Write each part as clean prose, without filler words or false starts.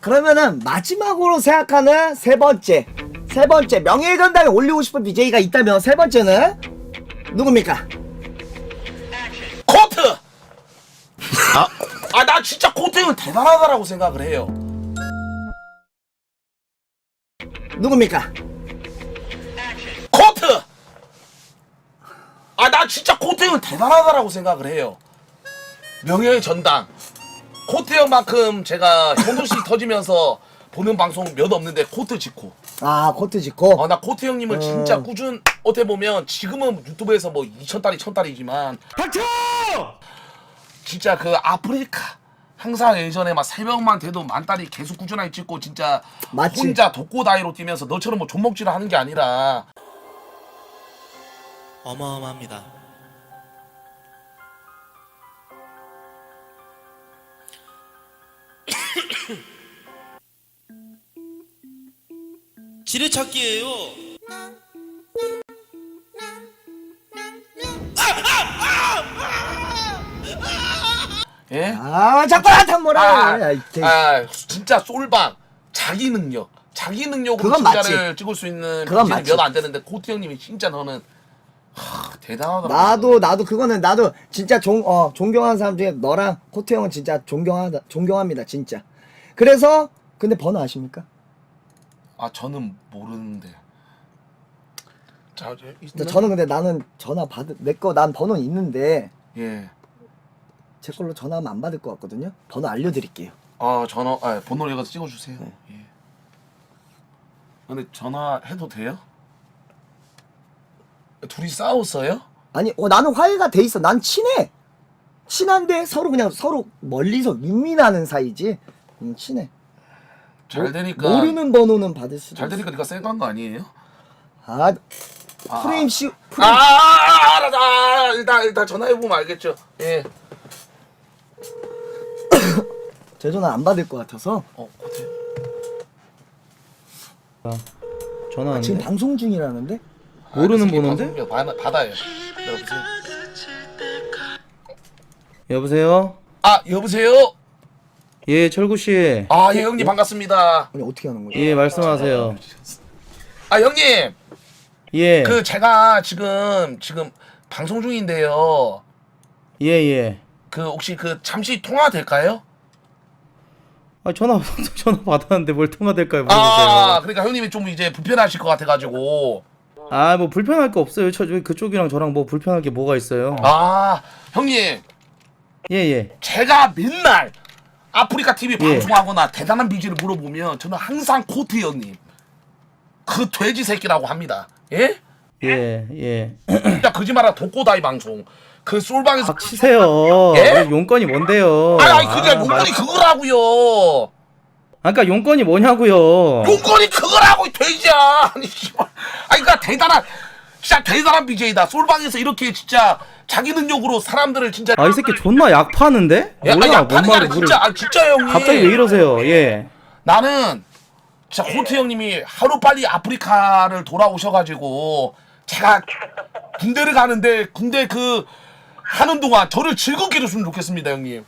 그러면은 마지막으로 생각하는 세 번째 명예의 전당에 올리고 싶은 BJ가 있다면 세 번째는 누굽니까? 코트! 나 진짜 코트 형은 대단하다라고 생각을 해요. 누굽니까? 코트! 나 진짜 코트 형은 대단하다라고 생각을 해요. 명예의 전당. 코트 형만큼 제가 현도씨 터지면서 보는 방송 몇 없는데 코트 지코. 아, 코트 짓고. 나 코트 형님을 진짜 어떻게 보면 지금은 유튜브에서 뭐 2,000달이 1,000달이지만 닥쳐! 진짜 그 아프리카 항상 예전에 막 새벽만 돼도 만달이 계속 꾸준하게 찍고 진짜 맞지. 혼자 독고다이로 뛰면서 너처럼 뭐 존먹질을 하는 게 아니라 어마어마합니다. 지뢰찾기예요. 예? 자꾸 나한테 뭐라 그래. 진짜 솔방 자기 능력으로 그건 진짜를 맞지. 찍을 수 있는 그건 BJ는 맞지. 몇 안 되는데 코트 형님이 진짜 너는 대단하더라고. 나도 그거는 나도 진짜 존경하는 사람 중에 너랑 코트 형은 진짜 존경합니다 진짜. 그래서 근데 번호 아십니까? 저는 모르는데. 자, 저는 근데 나는 전화 난 번호는 있는데 예. 제 걸로 전화하면 안 받을 것 같거든요. 번호 알려드릴게요. 번호를 여기서 찍어주세요. 네. 예. 근데 전화해도 돼요? 둘이 싸웠어요? 아니 나는 화해가 돼 있어. 난 친한데 서로 그냥 서로 멀리서 윈윈하는 사이지. 친해. 잘 되니까 모르는 번호는 받을 수도 잘 있어. 되니까 네가 쌩간 거 아니에요? 프레임 알았다. 일단 전화해보면 알겠죠. 예. 제 전화 안 받을 것 같아서 코트. 전화 지금 왔는데? 방송 중이라는데. 모르는 그 새끼 번호인데? 방송국 받아요. 여보세요? 여보세요? 여보세요? 예, 철구 씨. 예, 형님 반갑습니다. 아니 어떻게 하는 거야? 예, 말씀하세요. 형님. 예. 제가 지금 방송 중인데요. 예, 예. 혹시 잠시 통화 될까요? 전화 받았는데 뭘 통화될까요? 모르겠어요. 그러니까 형님이 좀 이제 불편하실 것 같아가지고. 뭐 불편할 거 없어요. 그쪽이랑 저랑 뭐 불편할 게 뭐가 있어요. 형님. 예, 예. 제가 맨날 아프리카 TV 예. 방송하거나 대단한 BJ를 물어보면 저는 항상 코트 형님 그 돼지 새끼라고 합니다. 예? 예, 예. 진짜 거짓말하다 독고다이 방송 그 솔방에서 치세요. 예? 용건이 뭔데요? 그게 용건이 그거라고요. 그러니까 용건이 뭐냐고요? 용건이 그거라고 이 돼지야. 아니 씨발. 그러니까 진짜 대단한 BJ다. 솔방에서 이렇게 진짜 자기 능력으로 사람들을 진짜 이 새끼 존나 약 파는데? 뭐야, 약파는 게 아니라 뭔 진짜 형님. 갑자기 왜 이러세요? 예. 나는 진짜 코트 형님이 하루 빨리 아프리카를 돌아오셔가지고 제가 군대를 가는데 군대 하는 동안 저를 즐겁게 해줬으면 좋겠습니다, 형님.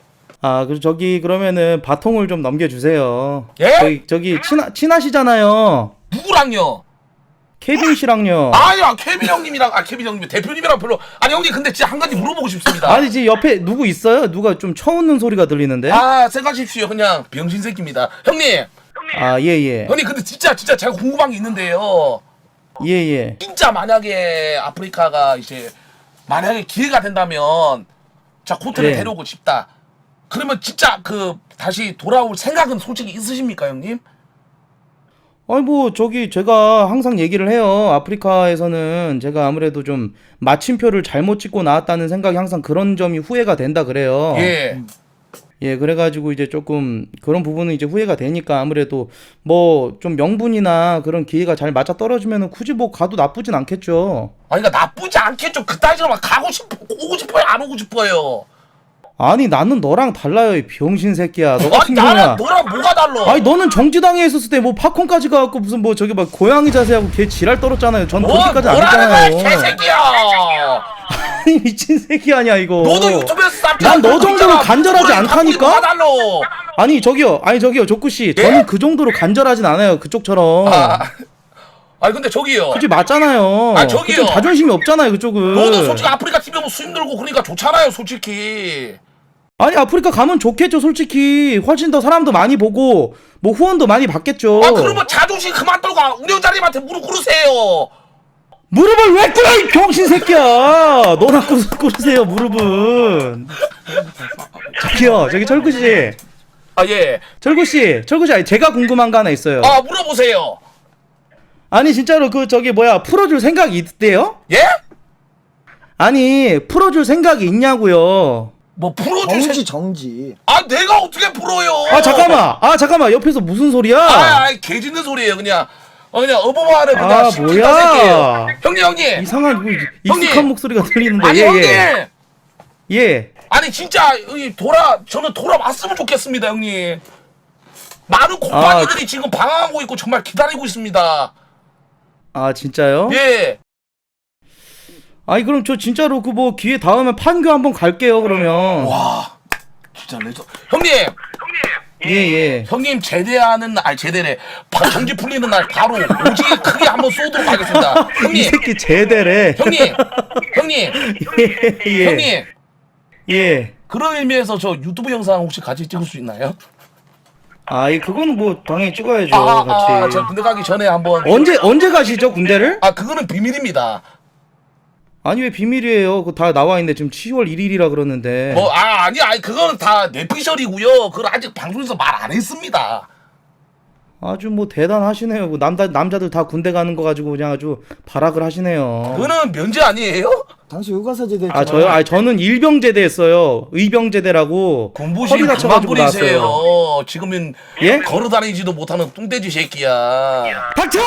그러면은 바통을 좀 넘겨주세요. 예? 저기 친하시잖아요. 누구랑요? 케빈 씨랑요. 케빈 형님이랑 케빈 형님 대표님이랑 별로. 형님 근데 진짜 한 가지 물어보고 싶습니다. 지금 옆에 누구 있어요? 누가 좀 쳐웃는 소리가 들리는데? 생각하십시오. 그냥 병신 새끼입니다. 형님. 예. 형님 근데 진짜 제가 궁금한 게 있는데요. 예. 진짜 만약에 아프리카가 이제 만약에 기회가 된다면 자 코트를 네. 데려오고 싶다. 그러면 진짜 다시 돌아올 생각은 솔직히 있으십니까, 형님? 제가 항상 얘기를 해요. 아프리카에서는 제가 아무래도 좀 마침표를 잘못 찍고 나왔다는 생각이 항상 그런 점이 후회가 된다 그래요. 예. 예, 그래가지고 이제 조금 그런 부분은 이제 후회가 되니까 아무래도 뭐 좀 명분이나 그런 기회가 잘 맞아 떨어지면은 굳이 뭐 가도 나쁘진 않겠죠. 그러니까 나쁘지 않겠죠. 그따위로 막 오고 싶어요, 안 오고 싶어요? 아니 나는 너랑 달라요 이 병신 새끼야. 너 아니 같은 나랑 경우야. 너랑 뭐가 달라? 아니 너는 정지당에 있었을 때 뭐 팝콘까지 가갖고 무슨 뭐 저기 막 고양이 자세하고 걔 지랄 떨었잖아요. 전 그렇게까지 안 뭐라는 거야 했잖아요. 개새끼야. 아니 미친 새끼 아니야 이거. 너도 유튜브에서 난 너 정도로 간절하지 않다니까? 뭐가 달라? 아니 저기요 조쿠씨 예? 저는 그 정도로 간절하진 않아요 그쪽처럼. 아니 근데 저기요. 그치 맞잖아요. 아, 저기요. 그쪽 자존심이 없잖아요 그쪽은. 너도 솔직히 아프리카 TV 뭐 수입 늘고 그러니까 좋잖아요 솔직히. 아니 아프리카 가면 좋겠죠 솔직히. 훨씬 더 사람도 많이 보고 뭐 후원도 많이 받겠죠. 아 그러면 자존심 그만 떨고 운영자님한테 무릎 꿇으세요. 무릎을 왜 꿇어 이 병신 새끼야. 너나 꿇으세요 무릎은. 저기 철구씨. 아 예. 철구씨 아니 제가 궁금한 거 하나 있어요. 아 물어보세요. 아니 진짜로 그 저기 뭐야 풀어줄 생각이 있대요? 예? 아니 풀어줄 생각이 있냐고요. 뭐 풀어주세요. 정지. 아 내가 어떻게 풀어요? 아 잠깐만 옆에서 무슨 소리야? 개 짖는 소리예요 그냥. 그냥 어버마를 그냥 아, 시키다 뭐야? 새끼예요. 형님. 이상한 뭐 익숙한 형님! 목소리가 들리는데. 아니 형님. 예. 아니 진짜 저는 돌아왔으면 좋겠습니다 형님. 많은 아, 곰팡이들이 지금 방황하고 있고 정말 기다리고 있습니다. 아 진짜요? 예. 아니 그럼 저 진짜로 그 뭐 기회 닿으면 판교 한번 갈게요 그러면. 와 진짜 레전. 형님. 예. 형님 제대하는 날 제대래. 정지 풀리는 날 바로 오지 크게 한번 쏘도록 하겠습니다. 이 형님. 새끼 제대래. 형님. 예. 형님. 예. 그런 의미에서 저 유튜브 영상 혹시 같이 찍을 수 있나요? 아이 그거는 뭐 당연히 찍어야죠 같이. 저 군대 가기 전에 한번. 언제 가시죠 군대를? 그거는 비밀입니다. 아니 왜 비밀이에요? 그거 다 나와 있는데 지금 10월 1일이라 그러는데. 아니 그거는 다 내피셜이고요. 그걸 아직 방송에서 말 안 했습니다. 아주 뭐 대단하시네요. 뭐 남자들 다 군대 가는 거 가지고 그냥 아주 발악을 하시네요. 그거는 면제 아니에요? 당시 의과사제대. 저요? 저는 일병제대 했어요. 의병제대라고. 군부심 허리 그만 다쳐가지고 부리세요. 나왔어요. 지금은 예? 걸어다니지도 못하는 뚱돼지 새끼야. 닥쳐!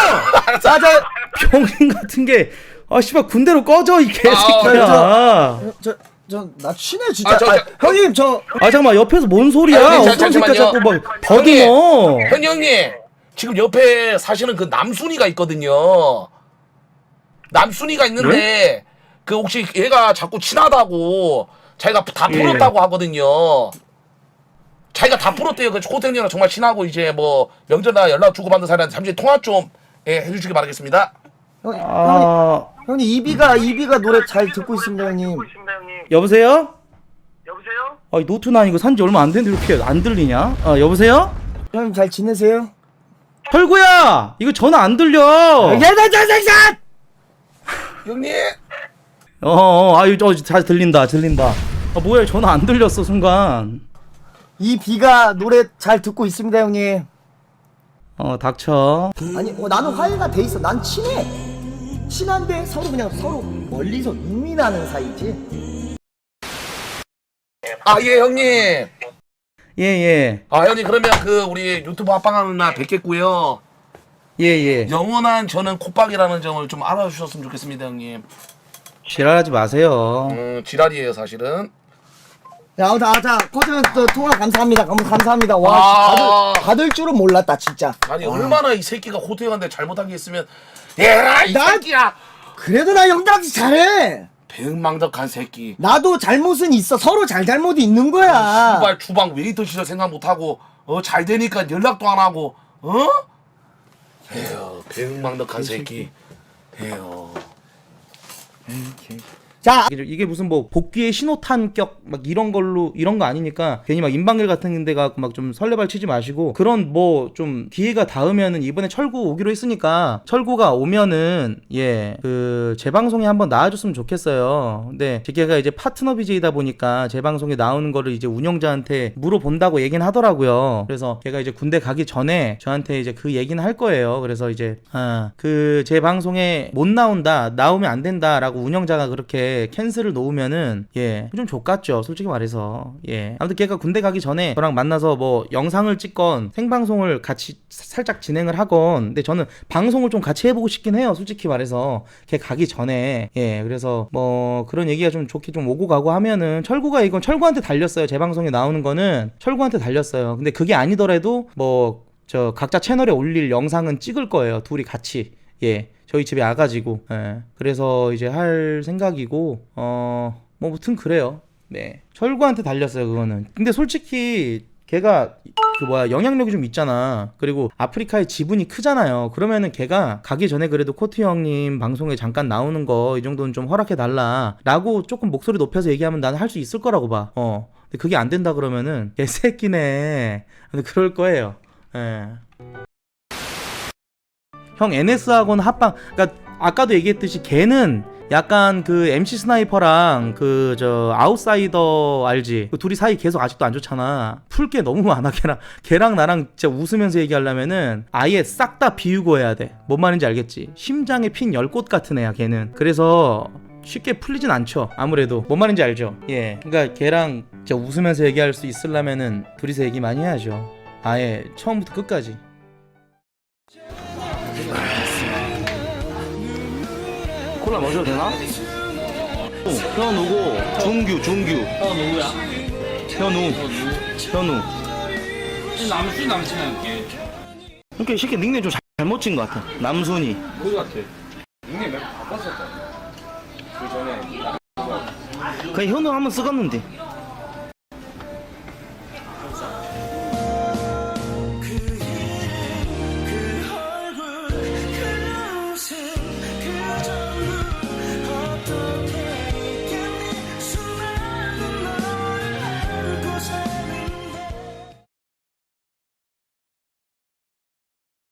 병신 같은 게. 씨발 군대로 꺼져 이 개새끼야. 나 친해 진짜. 저- 형님 잠깐만 옆에서 뭔 소리야? 형님, 어떤 새끼가 잠시만요. 자꾸 막 더듬어. 형님 지금 옆에 사실은 그 남순이가 있거든요. 남순이가 있는데 그 혹시 얘가 자꾸 친하다고 자기가 다 예. 풀었다고 하거든요. 자기가 다 풀었대요. 그 호텔이랑 정말 친하고 이제 뭐 명절날 연락 주고받는 사람한테 잠시 통화 좀 해주시기 바라겠습니다. 형님 이비가 노래 잘 듣고 있습니다 형님. 여보세요? 노트는 아니고 산지 얼마 안 됐는데 이렇게 안 들리냐? 여보세요? 형님 잘 지내세요? 털구야! 이거 전화 안 들려! 야나자생산 형님. 잘 들린다. 뭐야, 전화 안 들렸어, 순간. 이비가 노래 잘 듣고 있습니다 형님. 닥쳐. 아니 나는 화해가 돼 있어. 난 친한데 서로 멀리서 유민하는 사이지. 예 형님. 예. 형님 그러면 그 우리 유튜브 합방하는 날 뵙겠고요. 예. 영원한 저는 콧박이라는 점을 좀 알아주셨으면 좋겠습니다 형님. 지랄하지 마세요. 지랄이에요 사실은. 자 코튼 통화 감사합니다. 감사합니다. 와 받을 줄은 몰랐다 진짜. 아니 얼마나 이 새끼가 호텔한테 잘못한 게 있으면 얘라 이 새끼야. 그래도 나 형들한테 잘해. 배은망덕한 새끼. 나도 잘못은 있어. 서로 잘못이 있는 거야. 주발 주방 웨이터 시절 생각 못하고 잘 되니까 연락도 안 하고 에휴 배은망덕한 새끼. 에휴. 자 이게 무슨 뭐 복귀의 신호탄격 막 이런 거 아니니까 괜히 막 인방길 같은 데 가고 막 좀 설레발 치지 마시고 그런 뭐 좀 기회가 닿으면은 이번에 철구 오기로 했으니까 철구가 오면은 그 제 방송에 한번 나와줬으면 좋겠어요. 근데 제가 이제 파트너 BJ다 보니까 제 방송에 나오는 거를 이제 운영자한테 물어본다고 얘기는 하더라고요. 그래서 제가 이제 군대 가기 전에 저한테 이제 그 얘기는 할 거예요. 그래서 이제 그 제 방송에 못 나온다 나오면 안 된다라고 운영자가 그렇게 이렇게 캔슬을 놓으면은 좀 족같죠, 솔직히 말해서. 아무튼 걔가 군대 가기 전에 저랑 만나서 뭐 영상을 찍건 생방송을 같이 살짝 진행을 하건, 근데 저는 방송을 좀 같이 해보고 싶긴 해요, 솔직히 말해서. 걔 가기 전에. 그래서 뭐 그런 얘기가 좀 좋게 좀 오고 가고 하면은, 철구가 이건 철구한테 달렸어요. 제 방송에 나오는 거는 철구한테 달렸어요. 근데 그게 아니더라도 뭐 저 각자 채널에 올릴 영상은 찍을 거예요, 둘이 같이. 저희 집에 와가지고. 그래서 이제 할 생각이고, 뭐 무튼 그래요. 철구한테 달렸어요, 그거는. 근데 솔직히 걔가 영향력이 좀 있잖아. 그리고 아프리카의 지분이 크잖아요. 그러면은 걔가 가기 전에 그래도 코트 형님 방송에 잠깐 나오는 거 이 정도는 좀 허락해 달라 라고 조금 목소리 높여서 얘기하면 나는 할 수 있을 거라고 봐. 근데 그게 안 된다 그러면은 개새끼네. 근데 그럴 거예요. 형 NS하고는 합방, 그러니까 아까도 얘기했듯이 걔는 약간 그 MC 스나이퍼랑 그 저 아웃사이더 알지? 그 둘이 사이 계속 아직도 안 좋잖아. 풀 게 너무 많아. 걔랑 나랑 진짜 웃으면서 얘기하려면은 아예 싹 다 비우고 해야 돼. 뭔 말인지 알겠지? 심장에 핀 10꽃 같은 애야 걔는. 그래서 쉽게 풀리진 않죠, 아무래도. 뭔 말인지 알죠? 그러니까 걔랑 진짜 웃으면서 얘기할 수 있으려면은 둘이서 얘기 많이 해야죠, 아예 처음부터 끝까지. 콜라 마셔도 되나? 현우고 준규. 너 누구야? 현우. 남순 남친할게. 그러니까 이 새끼 닉네임 좀 잘못 친 것 같아. 남순이. 그거 같아. 닉네임 몇 번 바꿨었다. 그 전에 그냥 현우 한번 쓰겠는데.